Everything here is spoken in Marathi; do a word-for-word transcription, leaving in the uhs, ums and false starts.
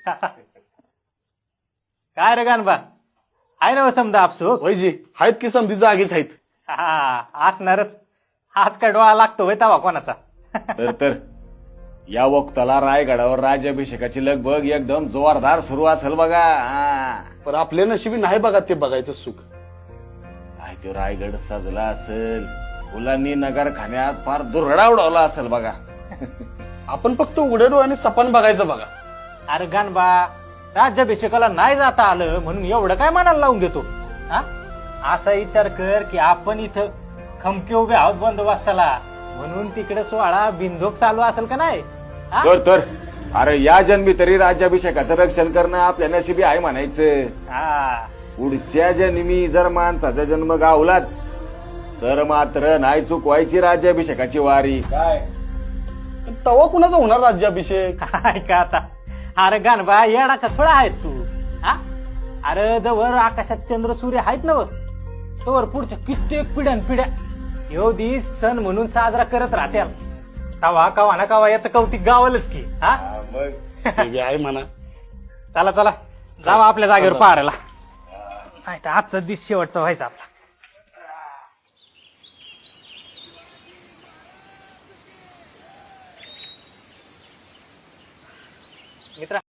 काय रे गानबा, आहे ना समजा आपसूक? वैजी आहेत की समधी जागीच आहेत. हा असणारच. आज काय डोळा लागतो होय तवा कोणाचा? तर तर या वक्ताला रायगडावर राज्याभिषेकाची लगबग एकदम जोरदार सुरू असेल बघा. हा. पण आपल्या नशिबी नाही बघा ते बघायचं सुख. काय तो रायगड सजला असेल, फुलांनी नगरखान्यात फार दुरडा उडवला असेल बघा. आपण फक्त उघड्या डोळ्याने सपान बघायचं बघा. अरे गानबा, राज्याभिषेकाला नाही जाता आलं म्हणून एवढं काय मनाला लावून घेतो? हा, असा विचार कर की आपण इथं खमके उभे आहोत बंदोबस्ताला, म्हणून तिकडे सोहळा बिंदोक चालू असेल का नाही? हा? तर तर अरे या जन्मी तरी राज्याभिषेकाचं रक्षण करणं आपल्या नशिबी आहे म्हणायचं. हा. पुढच्या जन्मी जर माणसाचा जन्म गावलाच तर मात्र नाही चुकवायची राज्याभिषेकाची वारी. काय तवा कुणाचा होणार राज्याभिषेक? काय का आता? अरे गानबा, येडा का थोडा आहेस तू? हा, अरे जवळ आकाशात चंद्र सूर्य आहेत ना, तवर पुढच्या कित्येक पिढ्यान पिढ्या ह्यो दिस सण म्हणून साजरा करत राहत्या. तवा कवा ना कवा याचं कौतिक गावलच की. हा, ते बी आहे म्हणा. चला चला जावा आपल्या जागेवर पाहायला. नाही तर आजचा दिस शेवटचा व्हायचा आपला. मित्रा